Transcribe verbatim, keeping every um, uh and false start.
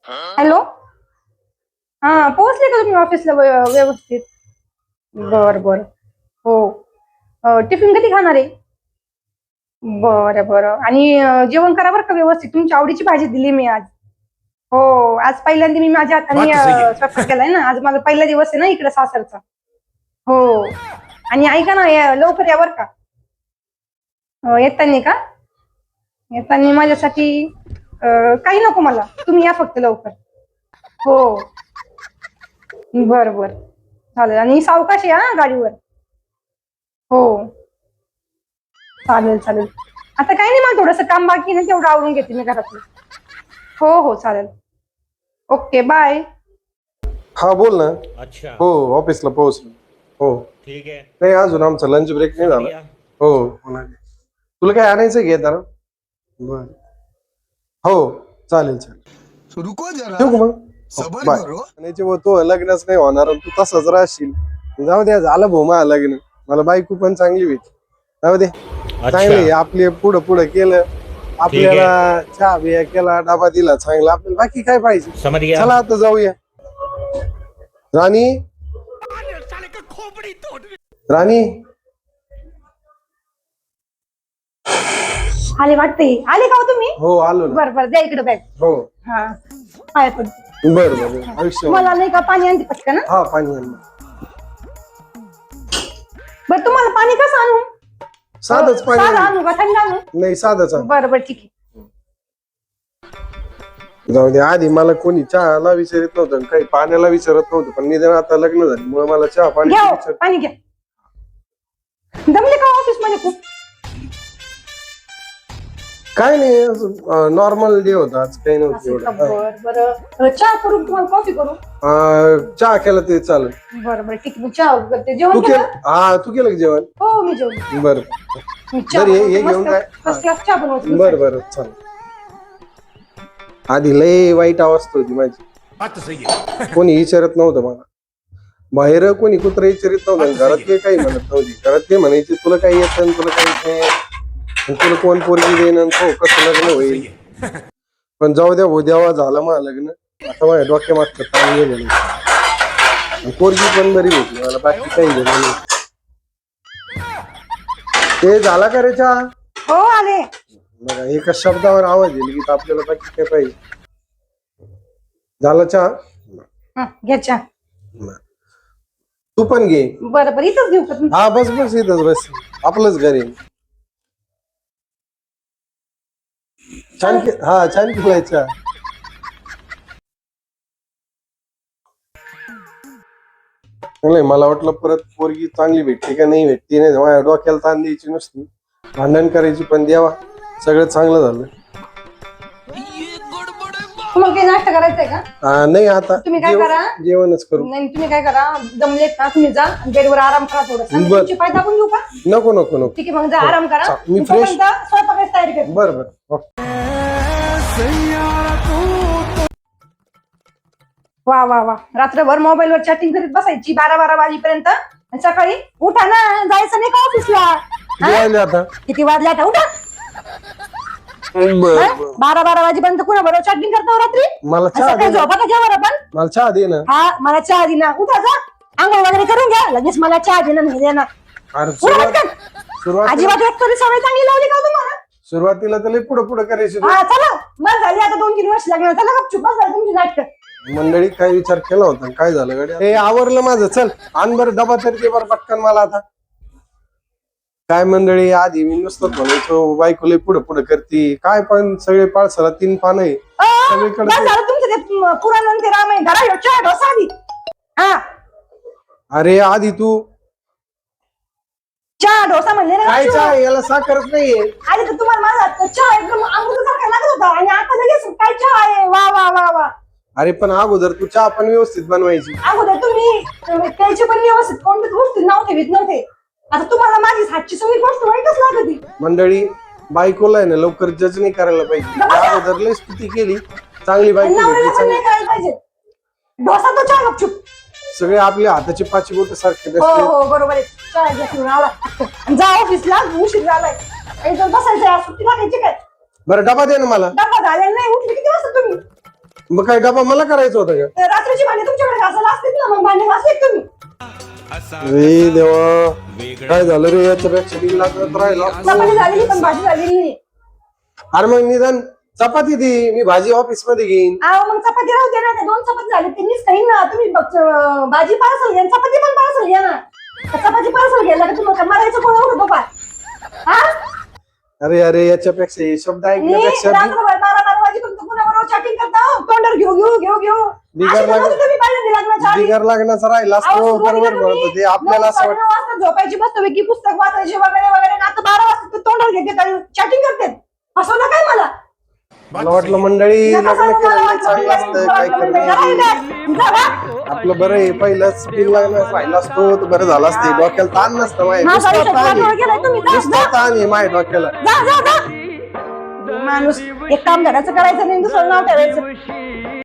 Hello. हा, पोहोचले का तुम्ही ऑफिसला व्यवस्थित? बर बर. हो. टिफिन कधी खाणार आहे? बरं बरं. आणि जेवण करा बरं का व्यवस्थित. तुमच्या आवडीची भाजी दिली मी आज. हो, आज पहिल्यांदा मी माझ्या हाताने स्वयंपाक केलाय ना. आज माझा पहिला दिवस आहे ना इकडे सासरचा. हो. आणि ऐका ना, लवकर या बरं का. येतानी का? येतानी माझ्यासाठी काही नको मला, तुम्ही या फक्त लवकर. हो. बर बर, चालेल. आणि सावकाश या गाडीवर. हो, चालेल चालेल. आता काही नाही, मला थोडस काम बाकी ना, तेवढं आवरून घेते मी घरातलं. हो हो, चालेल. Okay, bye. हा, बोल ना. अच्छा. हो, ऑफिसला पोहोचलो. हो. ठीक आहे. नाही, अजून आमचा लंच ब्रेक नाही झाला. हो, होणार. तुला काय आणायचं घे जरा. बर. हो, चालेल चालेल. रुको जरा, ठेवू का मग? सबर बाय. करो. आणायचे व तो लग्नच नाही होणार आणि तू तसाच राहशील. जाऊ द्या, झालं भाऊ मला लग्न. मला बायको पण चांगली भेटली. जाऊ दे, चांगली आपले पुढं पुढं केलं, आपल्याला चहा बिया केला, डबा दिला चांगला, आपल्याला बाकी काय पाहिजे. समझ गया. चला आता जाऊया. राणी, राणी. आले वाटते. आले का हो तुम्ही? हो, आलो ना. बर बर, द्या इकडे बॅग. हो. हा, पाय पडते. बर बर, आयुष्य. मला नाही का पाणी आणते पटकन? हा, पाणी आण. बर, तुम्हाला पाणी कसं आणू? साधच पाणी साधं आण. आणू का थंड आणू? नाही, साधच आण. बर बर, ठीक आहे. जाऊ दे, आधी मला कोणी चहाला विचारित नव्हतं, काही पाण्याला विचारत नव्हतं, पण निदान आता लग्न झाल्यामुळे मला चहा पाणी घ्या हो, विचार. पाणी घ्या. दमले का ऑफिस मध्ये खूप? काय नाही, नॉर्मल डे होता आज, काही नव्हतं असं का? एवढं. बर बर. चहा करू तुम्हाला, कॉफी करू? अं, चहा केला ते चालेल. बर बर, ठीक आहे. चहा करते. तू जेवण केलं? केलं? हा, तू केलं का जेवण? हो, मी जेवण. बर बरं, हे हे घेऊन काय? फर्स्ट क्लास चहा बनवते. बर बर, चालेल. आधी लय वाईट अवस्था होती माझी. कोणी विचारत नव्हतं मला. बाहेर कोणी कुत्र विचारित नव्हतं, घरात ते काही म्हणत नव्हती. घरात ते म्हणायचे तुला काही येतं, तुला काही नाही, तुला कोण पोरगी देईन, हो कसं लग्न होईल. पण जाऊ द्या, हो द्यावा, झालं मग लग्न. आता माझ्या डोक्या मागचं ताण गेलेलं. पोरगी पण बरी भेटली मला, बाकी काही गेलं नाही. ते झाला का रे चहा? हो, आले. बघा, एका शब्दावर आवाज येईल की आपल्याला बाकी काय पाहिजे. झाला चहा? हा, घ्या चहा. तू पण घे. बरं बरं, इथंच घेऊ का तुम्ही? हा, बस बस, इथंच बस, आपलंच घर आहे. छान के हा छान केलाय चहा. नाही, मला वाटलं परत पोरगी चांगली भेटते का नाही भेटते, नाही माझ्या डोक्याला ताण द्यायची नुसती, भांडण करायची. पण देवा, सगळं चांगलं झालं. तुम्हाला काही नाश्ता करायचंय का? हा, नाही, आता तुम्ही काय जेव- करा? जेवणच करू. नाही, तुम्ही काय करा, जमलेत ना तुम्ही जा बेडवर आराम करा थोडंसं. बर. तुमची पाय दाबून घेऊ का? नको नको नको. ठीक आहे, मग जा आराम करा. चा- मी तोपर्यंत फ्रेश- स्वयंपाकाची तयारी करते. बरं बरं. वा वा वा, रात्रभर मोबाईल वर चॅटिंग करीत बसायची बारा बारा वाजेपर्यंत, आणि सकाळी उठा ना, जायचं नाही का ऑफिसला? जेवायला आता. किती वाजले आता? उठा. बरं बरं. बारा बारा वाजेपर्यंत कुणा बरोबर चॅटिंग करतो रात्री? मला चहा सकाळी दे ना. झोपा का जेवण आपण? मला चहा दे ना. हा, मला चहा दिना. उठा, जा आंघोळ वगैरे करून घ्या, लगेच मला चहा देणं नाही देणार. अरे उठा सुरुवात पटकन. सुरुवात अजिबात एक तरी सवय चांगली लावली का हो तुम्हाला? सुरुवातीला तर लय पुढं पुढं करायची तू. हा, चला, मग झाली आता दोन तीन वर्ष लागणार. चला गपचूप, बस झाली तुमची नाटकं. मंडळी काय विचार केला होता, काय झालं गड्या? हे आवरलं माझं. चल, आण बरं डबा तरी दे बरं पटकन मला आता. काय मंडळी, आधी मी नुसतं म्हणायचो बायको लय पुढं पुढं करती, काय पण सगळे पाळसाला तीन पानं आहे अं, सगळीकडे बस ते- झालं तुमचं ते म, पुराण आणि ते रामायण. धरा ह्यो चहा डोसा आधी. हा, अरे आधी तू चहा डोसा म्हणले ना काय गपचूप. चहा, याला साखरच नाहीये. आधी तर तुम्हाला माझा हातचा चहा एकदम अमृतासारखा लागत होता, आणि आता लगेच काय चहा आहे? वा वा वा वा. अरे पण अगोदर तू चहा पण व्यवस्थित बनवायची. अगोदर तुम्ही त्याची पण व्यवस्थित कोणत्याच गोष्टी नाव ठेवीत नव्हते. आता तुम्हाला माझी हातची सगळी गोष्ट वाईटच लागती. मंडळी, बायकोला आहे ना लवकर जज नाही करायला पाहिजे. अगोदर लय स्तुती केली, चांगली बायको नवऱ्याला भेटली, पण चांगली. नाही करायला पाहिजे. डोसा तो चहा गपचूप. सगळे आपल्या हाताची पाची बोट सारखे हो बसले. हो, बरोबर आहे. चहा घ्या पिऊन आवरा. जा ऑफिसला, उशीर झालाय. एकदम बसायचं, सुट्टी लागायची काय? बरं, डबा दे ना मला. डबा झालेला नाही. उठले किती वाजता तुम्ही? मग काय डबा मला करायचं होतं का? तर रात्रीची भांडी तुमच्याकडे घासायला असतील ना, मग भांडे घासलेत तुम्ही. रे देवा, काय झालं रे? याच्यापेक्षा बिल लागत राहिला. चपाती झालेली पण भाजी झालेली नाही. अरे मग निदान चपाती दे, मी भाजी ऑफिस मध्ये घेईन. अहो मग चपाती राहू दे ना, त्या दोन चपाती झाले त्यांनीच खाईन ना. तुम्ही बघ, अं, भाजी पार्सल घ्या, चपाती पण पार्सल घ्या ना. चपाती पार्सल घ्यायला का तुम्हाला मारायचं कोण होतं बाबा? हा? अरे अरे याच्यापेक्षा हे शब्द मी ऐकण्यापेक्षा रात्रभर बारा बारा वाजेपर्यंत कुणाबरोबर चॅटिंग करता हो, तोंडावर घेऊ घेऊ घेऊ घेऊ. बिगर अशी लाग- नव्हती तुम्ही पहिल्यांदा लग्नाच्या आधी. बिगर लागण्याचा राहिला अहो, असतो सुरुवातीला बरोबर तुम्ही म्हणतो ते आपल्याला नऊ, असं वाटतं. साडेनऊ वाजता झोपायची मस्तपैकी पुस्तक वाचायचे वगैरे वगैरे आणि आता बारा वाजता ते तोंडावर घेते चॅटिंग करते. फसवलं काय मला? मला वाटलं मंडळी नका लग्न सांगू मला केलं वाटलं चांगलं असतं काय जरा करणार. येऊ द्या. जरा. आपलं बरं आहे पहिलंच बिल लागण्यास राहिला असतो तर बरं झालं असते. डोक्याला ताण नसतं माहिती. माझा नुसता आयुष्यात ताण वाटोळं आहे. केलंय तुम्ही. जा, नुसता जा. ताण आहे माझ्या डोक्याला. जा जा जा. माणूस एक काम घराचं करायचं नाही दुसरं नाव ठेवायचं.